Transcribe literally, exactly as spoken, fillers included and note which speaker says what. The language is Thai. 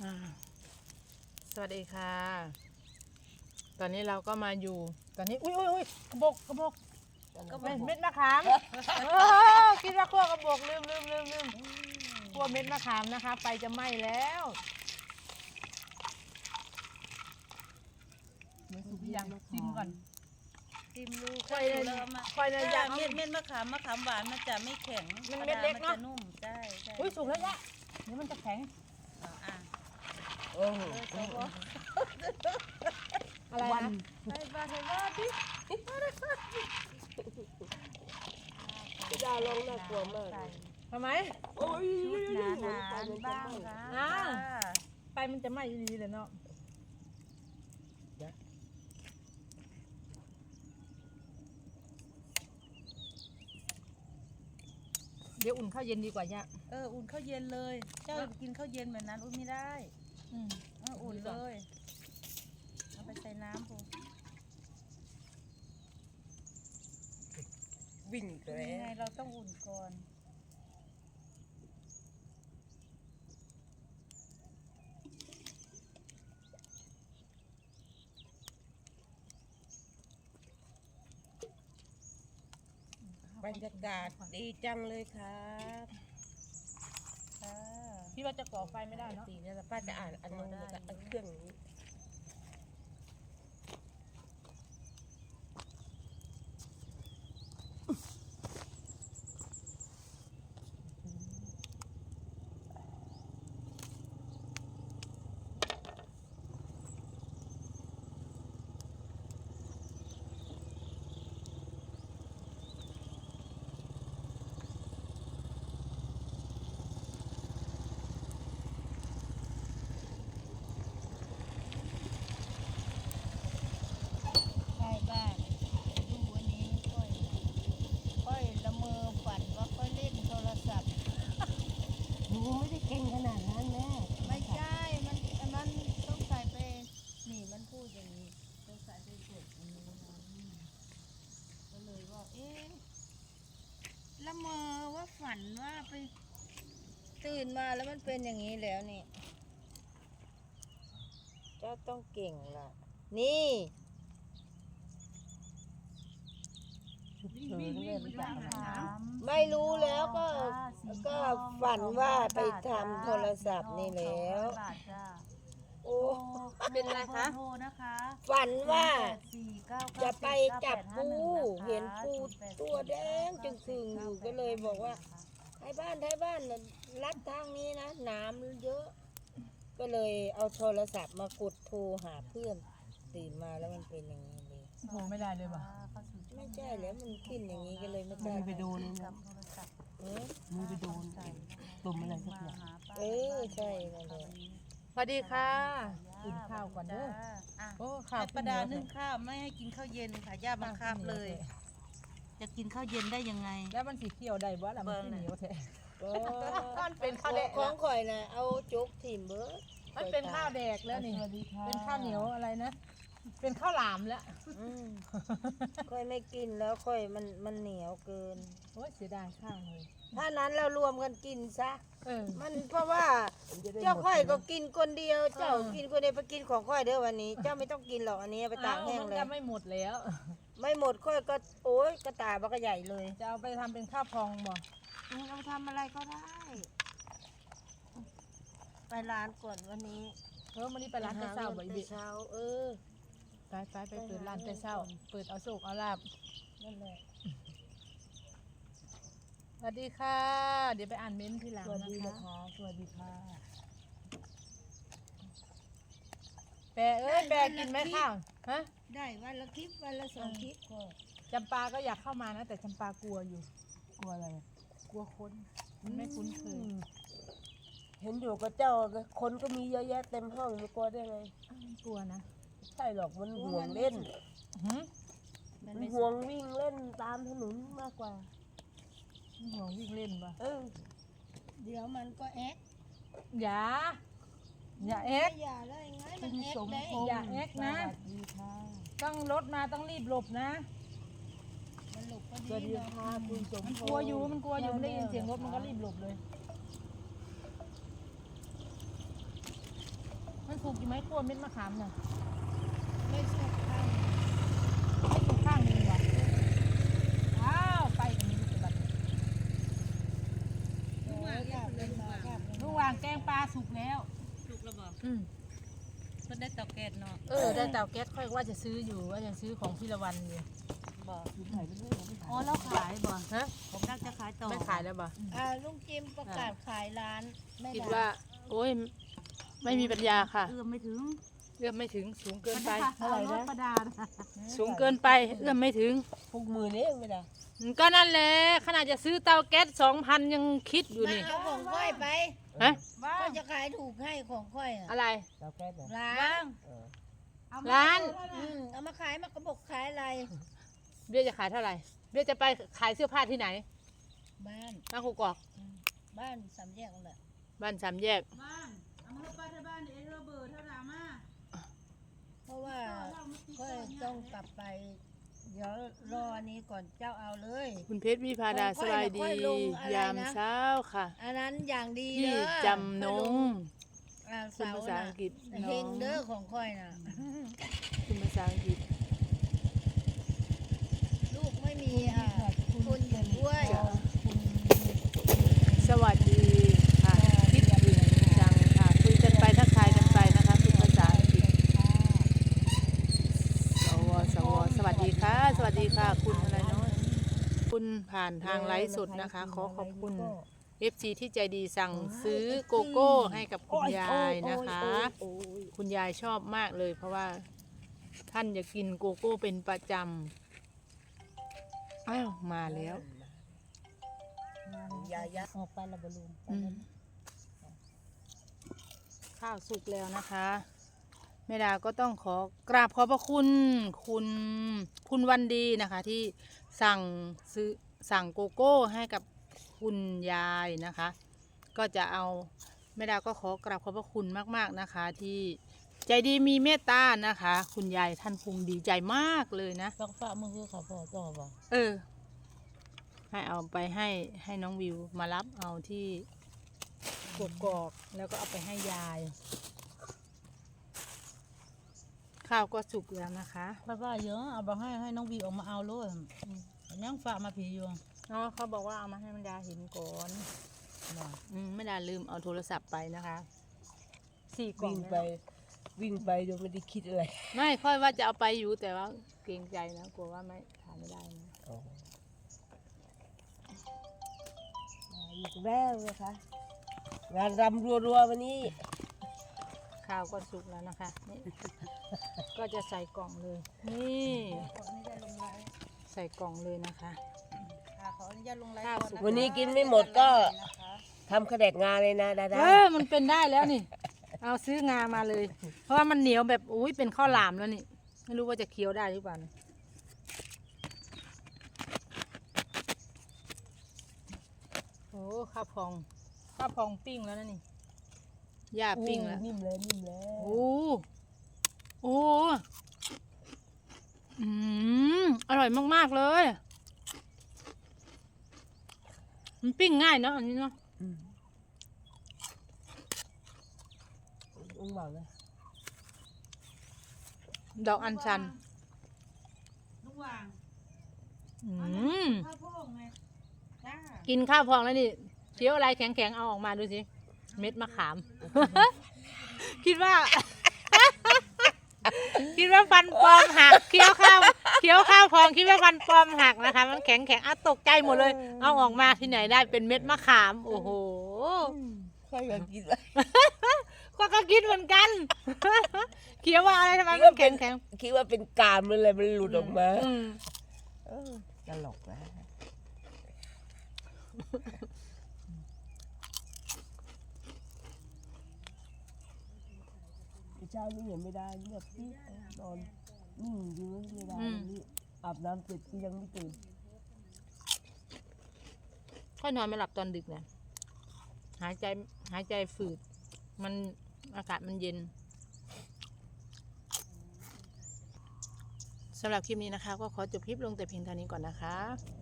Speaker 1: อ่าสวัสดีค่ะ ตอนนี้เราก็มาอยู่ ตอนนี้ อุ้ยอุ้ยอุ้ยกระบอกกระบอกเม็ดเม็ดมะขามเออคิดว่าคั่วกระบอกลืมลืมลืมลืมคั่วเม็ดมะขามนะคะไฟจะไหม้แล้วไม่สุกยังชิมก่อน
Speaker 2: ชิมดู
Speaker 1: ค่อยเลย
Speaker 2: เริ่มมา
Speaker 1: ค่อยเลยอยาก
Speaker 2: เม็ดเม็ดมะขามมะขามหวานมันจะไม่แข็ง
Speaker 1: มันเม็ดเล็กเนอะ
Speaker 2: มันจะนุ่มใช่ใช่
Speaker 1: อุ้ยสุกแล้วเนี่ยเดี๋ยวมันจะแข็ง
Speaker 2: อ่ะอ่ะ
Speaker 3: โอ้โห
Speaker 2: เออตัว
Speaker 1: อะไรนะ
Speaker 2: ไปบ้านไปบ้านพี่
Speaker 3: พี่ดาลองน่ากลัวมาก
Speaker 2: ใส่
Speaker 1: ทำไม
Speaker 3: โอ้ย
Speaker 2: ชุดหนาหนาๆบ้างค่ะ
Speaker 1: อ่า
Speaker 2: ค่ะ
Speaker 1: ไฟมันจะไหม้ดีเลยเนาะเดี๋ยวอุ่นข้าวเย็นดีกว่าย่า
Speaker 2: เอออุ่นข้าวเย็นเลย เจ้ากินข้าวเย็นแบบนั้นอุ่นไม่ได้
Speaker 1: อืม
Speaker 2: เอออุ่นเลยเอาไปใส่น้ำปู
Speaker 3: วิ่งอีกแล้
Speaker 2: ยังไง
Speaker 3: ว
Speaker 2: เราต้องอุ่นก่อน
Speaker 3: บรรยากาศดีจังเลยครับ
Speaker 2: ค่ะ
Speaker 1: พี่ว่าจะก่อไฟไม่ได้เนาะ
Speaker 3: ตีเนี่ยป้าจะอ่านอันนู้นแล้วก็อันเครื่องนี้
Speaker 2: ใช่บ้านดูวันนี้ค่อยค่อยละเมอฝันว่าค่อยเล่นโทรศัพท์
Speaker 3: หนูไม่ได้เก่งขนาดนั้นแม่
Speaker 2: ไม่ใช่ มัน มันต้องใส่ไป นี่มันพูดอย่างนี้ต้องใส่ไปกดอันนี้นะก็เลยว่า เอ๊ะ ละเมอว่าฝันว่าไป ตื่นมาแล้วมันเป็นอย่างนี้แล้วนี่
Speaker 3: เจ้าต้องเก่งล่ะนี่ฉุกเฉินเลยรู้จักไหมไม่รู้แล้วก็ก็ฝันว่าไปทำโทรศัพท์นี่แล้ว โอ้
Speaker 2: เป็นไรคะโทรนะคะ
Speaker 3: ฝันว่า
Speaker 2: สี่เก้า
Speaker 3: จะ
Speaker 2: เก้า
Speaker 3: ไปจับปูเห็นปูตัวแดงจึงคืงอยู่ก็เลยบอกว่าไทยบ้านไทยบ้านน่ะลัดทางนี้นะน้ำเยอะ ก็เลยเอาโทรศัพท์มากดโทรหาเพื่อนตื่นมาแล้วมันเป็นอย่างนี้เลย
Speaker 1: โหไม่ได้เลยว่ะ
Speaker 3: ไม่ใช่แล้วมันขึ้นอย่างนี้ก็เลยไม่กล้า
Speaker 4: ไปโดนเลยนะ
Speaker 3: เออ
Speaker 4: มือไปโดนตุ่มอะไรสักอย่าง
Speaker 3: เออใช่นั่นแหละ
Speaker 1: สวัสดีค่ะกินข้าวก่อนเด้อ
Speaker 2: อ่ะ
Speaker 1: โอ้ข้าว
Speaker 2: ให้ประดานึ่งข้าวไม่ให้กินข้าวเย็นค่ะย่าบังคับเลย จะกินข้าวเย็นได้ยังไง
Speaker 1: แล้วมันสีเขียวได้บ่ล่ะมันสีเหนียวแท้
Speaker 3: ก็
Speaker 1: มันเป็นข้าวแดก
Speaker 3: ของข่อยนะเอาจุกถิ่มเบิร์ด
Speaker 1: มันเป็นข้าวแดกแล้วนี่
Speaker 4: สวัสดีค่ะ
Speaker 1: เป็นข้าวเหนียวอะไรนะ เป็นข้าวหลามแล้ว
Speaker 3: อืมค่อยไม่กินแล้วค่อยมันมันเหนียวเกิน
Speaker 1: โอ้ยเสียดายข้าวเลย
Speaker 3: ถ้านั้นเรารวมกันกินซะ
Speaker 1: เออ
Speaker 3: มันเพราะว่าเจ้าค่อยก็กินคนเดียว เจ้า
Speaker 1: เออ
Speaker 3: กินคนเดียวไปกินของค่อยเด้อวันนี้ เจ้าไม่ต้องกินหรอกอันนี้ไปตากแห้ง
Speaker 1: มัน
Speaker 3: เลย
Speaker 1: จะไม่หมดแล้ว
Speaker 3: ไม่หมดค่อยก็โอ๊ยกระตายบักกระใหญ่เลย
Speaker 1: จะเอาไปทำเป็นข้าวพองบ่
Speaker 3: อืมเอาทำอะไรก็ได้ ไปร้านก่อนวันนี้
Speaker 1: เออวันนี้ไปร้านแต่เช้าบ่อย
Speaker 3: ไป
Speaker 1: บิ
Speaker 3: เช้า เออ
Speaker 1: ไปไปไปเปิดร้านแต่เช้า เปิดเอาโศกเอาลาบ
Speaker 3: นั่นแหละ
Speaker 1: สวัสดีค่ะ เดี๋ยวไปอ่านเม้นท์ทีหลัง
Speaker 4: สวัส
Speaker 1: นะ
Speaker 4: ดี
Speaker 1: คะ
Speaker 4: นะคะสวัสดีค่ะ
Speaker 1: แปรเอ้ยแปรกินไหมข้าวฮะ
Speaker 2: ได้วันละคลิปวันละสองคลิปก็
Speaker 1: จำปาก็อยากเข้ามานะ แต่จำปากลัวอยู่
Speaker 4: กลัวอะไร
Speaker 1: กลัวคนมันไม่คุ้นเคย
Speaker 3: เห็นอยู่กับเจ้าคนก็มีเยอะแยะเต็มห้องไม่กลัวได้ไง
Speaker 1: กลัวนะ
Speaker 3: ใช่หรอกมันห่วงเล่น
Speaker 1: หืม
Speaker 2: มัน
Speaker 3: มัน
Speaker 2: ไม่
Speaker 3: ห่วงวิ่งเล่นตามถนนมากกว่า
Speaker 1: ห่วงวิ่งเล่นปะ
Speaker 3: เออ
Speaker 2: เดี๋ยวมันก็แอ๊ก
Speaker 1: อย่า อย่าเอ็ก
Speaker 2: อย่าได้ไงมัน
Speaker 4: คุณ
Speaker 2: แอ๊ก
Speaker 4: สม
Speaker 2: ได้
Speaker 4: พงษ์
Speaker 1: อย่าแอ๊กนะ
Speaker 4: สวัสดีค่ะ
Speaker 1: ต้องรถมาต้องรีบหลบนะ
Speaker 2: มันหลบก็
Speaker 4: สวัส
Speaker 2: ดี
Speaker 4: ดี
Speaker 2: เนาะ
Speaker 4: ค่ะคุณสมพ
Speaker 1: มัน
Speaker 4: งษ์
Speaker 1: กลัวอยู่มันกลัวอยู่มันได้ยินเสียงรถมันก็รีบหลบเลยสุกอยู่ไหมคั่วเม็ดมะขามน่ะ
Speaker 2: ไม่สุกข้าง
Speaker 1: ไม่สุกข้างหนึงหรออ้าวไปกันนี้ลูกบัด
Speaker 2: ลุงวางข้าวเป็นมาข้าว
Speaker 1: ลุงวางแกงปลาสุกแล้ว
Speaker 2: สุกแล้วบอก
Speaker 1: อืม
Speaker 2: เพิ่นได้เตาแก๊สเนาะ
Speaker 1: เออได้เตาแก๊สค่อยว่าจะซื้ออยู่ว่าจะซื้อของพี่ละวันอยู่
Speaker 2: บอก
Speaker 4: คือถ่ายไปเรื่อยเราไม่ถ่าย
Speaker 2: อ๋อแล้วขายบ่
Speaker 1: ฮะ
Speaker 2: ผมน่าจะขายต่อ
Speaker 1: ไม่ขายแล้วบ่
Speaker 2: อ่าลุงจิมประกาศขายร้านแม่
Speaker 1: คิด
Speaker 2: ดา
Speaker 1: ว่า โอ้ยไม่มีปัญญาค่ะ
Speaker 2: เอื้อมไม่ถึง
Speaker 1: เอื้อมไม่ถึงสูงเกินไป
Speaker 2: เท่าไหร่นะประดา
Speaker 1: สูงเกินไปเอื้อมไม่ถึง
Speaker 4: พวกมือนี่ไม่ได้
Speaker 1: ก็นั่นแหละขนาดจะซื้อเตาแก๊สสองพันยังคิดอยู่
Speaker 2: มา
Speaker 1: นี่
Speaker 2: เอาของค่อยไป
Speaker 1: ฮะ
Speaker 2: ก็จะขายถูกให้ของค่อยอ่ะ
Speaker 1: อะไร
Speaker 4: เราแก้เนี่ย
Speaker 2: ร้าน
Speaker 4: เออ
Speaker 1: ร้าน
Speaker 2: อืมเอามาขายมากระบอกขายอะไร
Speaker 1: เบี้ยจะขายเท่าไหร่เบี้ยจะไปขายเสื้อผ้าที่ไหน
Speaker 2: บ้าน
Speaker 1: บ้านกูกอก
Speaker 2: บ้านสามแยกนั่นแหละ
Speaker 1: บ้านสามแยก
Speaker 2: บ้านเอามาไปที่บ้านเอเรเบอร์เท่าไหร่มาเพราะว่าก็ต้องกลับไป เดี๋ยวรออันนี้ก่อนเจ้าเอาเลย
Speaker 1: คุณเพชรวิภาดา
Speaker 2: ค่
Speaker 1: ส
Speaker 2: อยๆ
Speaker 1: บายดี
Speaker 2: ค่อยๆลงอะไรนะ
Speaker 1: ยามเช้าค่ะ
Speaker 2: อันนั้นอย่างดี
Speaker 1: พี่
Speaker 2: เด้อ
Speaker 1: จำนง
Speaker 2: อ่า
Speaker 1: คุณ
Speaker 2: เสา
Speaker 1: ภาษา
Speaker 2: น่ะ
Speaker 1: อังกฤษ
Speaker 2: เฮ
Speaker 1: น้อง
Speaker 2: งเด้อของค่อยน่ะ
Speaker 1: คุณภาษาอังกฤษ
Speaker 2: ลูกไม่มีอ่ะคุณอยู่ด้วย
Speaker 1: สวัสดีค่ะคิดถึงจังค่ะคุยกันไปทักทายกันไปนะคะคุณภาษาอังกฤษสวสวสวัสดีค่ะ สวัสดีค่ะคุณอะไรเนาะคุณผ่านทางไลฟ์สดนะคะ ขอขอบคุณ เอฟ ซี ที่ใจดีสั่งซื้อโกโก้ให้กับคุณยายนะคะ คุณยายชอบมากเลย เพราะว่าท่านจะกินโกโก้เป็นประจำอ้าวมาแล้ว
Speaker 2: ยายาออกไปละบลุง
Speaker 1: อืมข้าวสุกแล้วนะคะแม่ดาก็ต้องขอกราบขอบพระคุณคุณคุณวันดีนะคะ ที่สั่งซื้อสั่งโกโก้ให้กับคุณยายนะคะ ก็จะเอาแม่ดาก็ขอกราบขอบพระคุณมากๆนะคะ ที่ใจดีมีเมตตานะคะ คุณยายท่านคงดีใจมากเลยนะ
Speaker 2: ต้องฝากมือคือเขาพอต่อบ่
Speaker 1: เออ ให้เอาไปให้ให้น้องวิวมารับเอาที่กกอกแล้วก็เอาไปให้ยาย ข้าวก็สุกแล้วนะคะ
Speaker 2: ป้าว่าเยอะเอาไปให้ให้น้องวีออกมาเอาเลยยังฝากมาผีอยู่
Speaker 1: เนาะเขาบอกว่าเอามาให้แม่ดาเห็นก่อนอืมแม่ดาลืมเอาโทรศัพท์ไปนะคะสี่กล่อ
Speaker 4: วิ่
Speaker 1: ง
Speaker 4: งไปวิ่งไปโดยไม่ได้คิดอะไร
Speaker 1: ไม่ค่อยว่าจะเอาไปอยู่แต่ว่าเกรงใจนะกลัวว่าไม่ทานไม่ได้นะ
Speaker 4: อ๋ออีกแล้วนะคะงานรำรัวๆวันนี้
Speaker 1: ข้าวก็สุกแล้วนะคะนี่ ก็จะใส่กล่องเลย นี่
Speaker 2: ขออนุญาตลงไลน์
Speaker 1: ใส่กล่องเลยนะคะ
Speaker 2: ค่ะขออนุญาตลงไลน์
Speaker 1: ข้าว
Speaker 2: ก่อ
Speaker 1: สุก
Speaker 2: นะ
Speaker 4: วันนี้กินไม่หมดก็ทำขแดกงานเลยนะดา
Speaker 1: เอ
Speaker 4: ดา
Speaker 1: อมันเป็นได้แล้วนี่ เอาซื้องามาเลย เพราะว่ามันเหนียวแบบอุ้ยเป็นข้าวหลามแล้วนี่ ไม่รู้ว่าจะเคี้ยวได้หรือเปล่านะโอ้ข้าวพอง ข้าวพองปิ้งแล้วนะนี่ย่าปิ้งแล้ว
Speaker 4: นิ่มเลยนิ่มเลย
Speaker 1: โอ้โอ้อืมอร่อยมากๆเลย มันปิ้งง่ายเนาะอันนี้เนาะ
Speaker 4: อืมอุ้งเบาเลย
Speaker 1: ดอกอัญชัน
Speaker 2: ลูกวาง
Speaker 1: อืม
Speaker 2: ข้าวโพดไงจ้า
Speaker 1: กินข้าวพองแล้วนี่เคี้ยวอะไรแข็งๆเอาออกมาดูสิ เม็ดมะขาม คิดว่า คิดว่าฟันปลอมหักเคี้ยวข้าวเคี้ยวข้าวพองคิดว่าฟันปลอมหักนะคะ มันแข็งแข็งๆอ่ะตกใจหมดเลย เอาออกมาที่ไหนได้เป็นเม็ดมะขาม โอ้โห
Speaker 4: ค่อยอยากกินเลย
Speaker 1: ก็ก็คิดเหมือนกัน เคี้ยวว่าอะไรทำไมมันแข็งแข็ง
Speaker 4: คิดว่าเป็นกามมันเลยมันหลุดออกมา
Speaker 1: อืม
Speaker 4: เออตลกนะเช้านี้เห็นไม่ได้เงียบที่นอนนิ่งอยู่ไม่ได้นี่อาบน้ำเสร็จก็ยังไม่ตื่น
Speaker 1: ค่อยนอนไม่หลับตอนดึกนะหายใจหายใจฝืด มันอากาศมันเย็นสำหรับคลิปนี้นะคะ ก็ขอจบคลิปลงแต่เพียงเท่านี้ก่อนนะคะ